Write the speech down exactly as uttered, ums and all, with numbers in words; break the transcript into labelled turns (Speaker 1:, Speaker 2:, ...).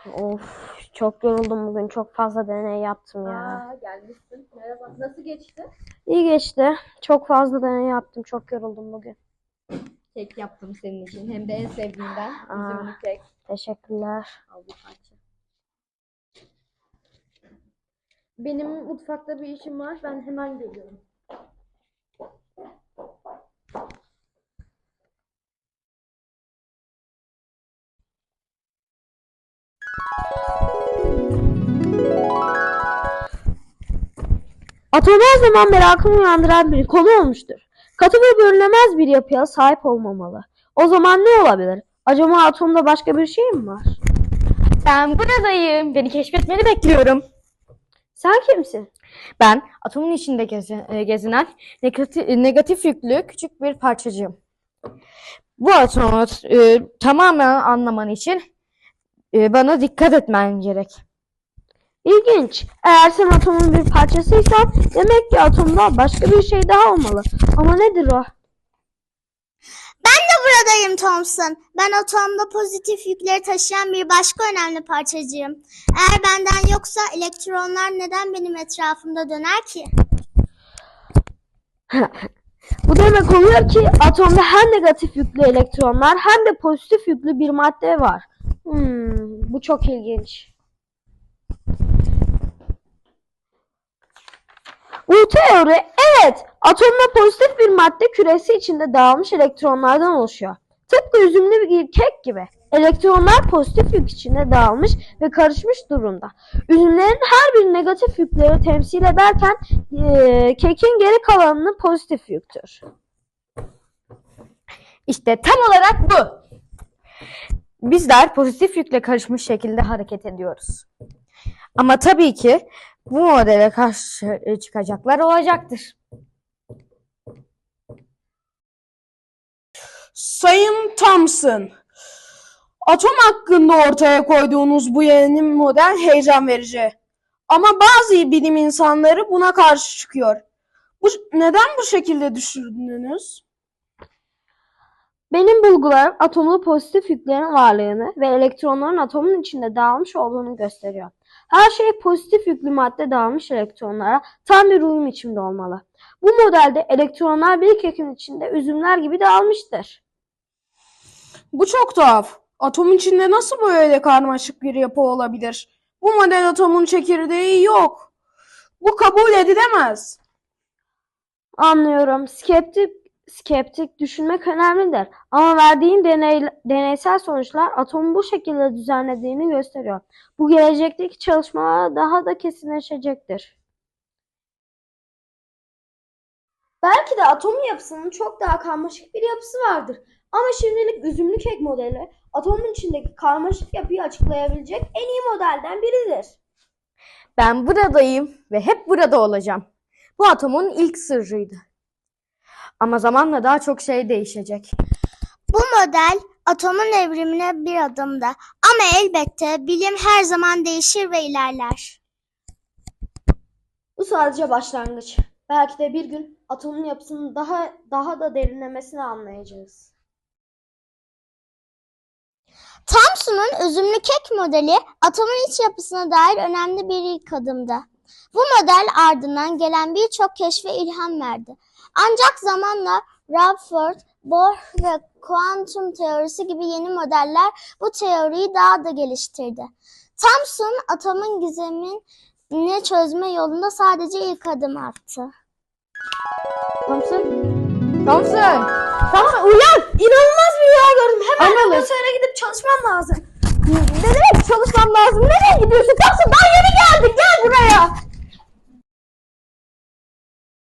Speaker 1: Of, çok yoruldum bugün. Çok fazla deney yaptım ya.
Speaker 2: Aa, gelmişsin. Merhaba. Nasıl geçti?
Speaker 1: İyi geçti. Çok fazla deney yaptım. Çok yoruldum bugün.
Speaker 2: Kek yaptım senin için. Hem de en sevdiğinden. Üzümlü kek.
Speaker 1: Teşekkürler.
Speaker 2: Al bir parça. Benim mutfakta bir işim var. Ben hemen geliyorum.
Speaker 1: Atom her zaman merakımı uyandıran bir konu olmuştur. Katı ve bölünemez bir yapıya sahip olmamalı. O zaman ne olabilir? Acaba atomda başka bir şey mi var?
Speaker 3: Ben buradayım. Beni keşfetmeni bekliyorum.
Speaker 1: Sen kimsin?
Speaker 3: Ben atomun içinde gezi- e, gezinen negatif, negatif yüklü küçük bir parçacığım. Bu atomu e, tamamen anlaman için e, bana dikkat etmen gerek.
Speaker 1: İlginç. Eğer sen atomun bir parçasıysan demek ki atomda başka bir şey daha olmalı. Ama nedir o?
Speaker 4: Ben de buradayım Thompson. Ben atomda pozitif yükleri taşıyan bir başka önemli parçacığım. Eğer benden yoksa elektronlar neden benim etrafımda döner ki?
Speaker 1: Bu demek oluyor ki atomda hem negatif yüklü elektronlar hem de pozitif yüklü bir madde var. Hmm, bu çok ilginç. Bu teori, evet, atomda pozitif bir madde küresi içinde dağılmış elektronlardan oluşuyor. Tıpkı üzümlü bir kek gibi. Elektronlar pozitif yük içinde dağılmış ve karışmış durumda. Üzümlerin her bir negatif yükleri temsil ederken e, kekin geri kalanını pozitif yüktür.
Speaker 3: İşte tam olarak bu. Bizler pozitif yükle karışmış şekilde hareket ediyoruz. Ama tabii ki bu modele karşı çıkacaklar olacaktır.
Speaker 5: Sayın Thompson, atom hakkında ortaya koyduğunuz bu yeni model heyecan verici. Ama bazı bilim insanları buna karşı çıkıyor. Bu, neden bu şekilde düşündünüz?
Speaker 1: Benim bulgularım atomlu pozitif yüklerin varlığını ve elektronların atomun içinde dağılmış olduğunu gösteriyor. Her şey pozitif yüklü madde dağılmış elektronlara tam bir uyum içinde olmalı. Bu modelde elektronlar bir kekin içinde üzümler gibi dağılmıştır.
Speaker 5: Bu çok tuhaf. Atom içinde nasıl böyle karmaşık bir yapı olabilir? Bu model atomun çekirdeği yok. Bu kabul edilemez.
Speaker 1: Anlıyorum. Skeptik, skeptik düşünmek önemlidir. Ama verdiğin deney, deneysel sonuçlar atomu bu şekilde düzenlediğini gösteriyor. Bu gelecekteki çalışmalar daha da kesinleşecektir. Belki de atomun yapısının çok daha karmaşık bir yapısı vardır. Ama şimdilik üzümlü kek modeli atomun içindeki karmaşık yapıyı açıklayabilecek en iyi modelden biridir.
Speaker 3: Ben buradayım ve hep burada olacağım. Bu atomun ilk sırrıydı. Ama zamanla daha çok şey değişecek.
Speaker 4: Bu model atomun evrimine bir adımda. Ama elbette bilim her zaman değişir ve ilerler.
Speaker 1: Bu sadece başlangıç. Belki de bir gün atomun yapısının daha daha da derinlemesine anlayacağız.
Speaker 4: Thomson'un üzümlü kek modeli atomun iç yapısına dair önemli bir ilk adımdı. Bu model ardından gelen birçok keşfe ilham verdi. Ancak zamanla Rutherford, Bohr ve kuantum teorisi gibi yeni modeller bu teoriyi daha da geliştirdi. Thomson atomun gizemini çözme yolunda sadece ilk adım attı.
Speaker 3: Thompson? Thompson!
Speaker 1: Tamam, uyan! İnanılmaz bir rüya gördüm. Hemen
Speaker 3: Anladım.
Speaker 1: laboratuvara gidip çalışmam lazım.
Speaker 3: Ne demek çalışmam lazım? Nereye gidiyorsun? Kalk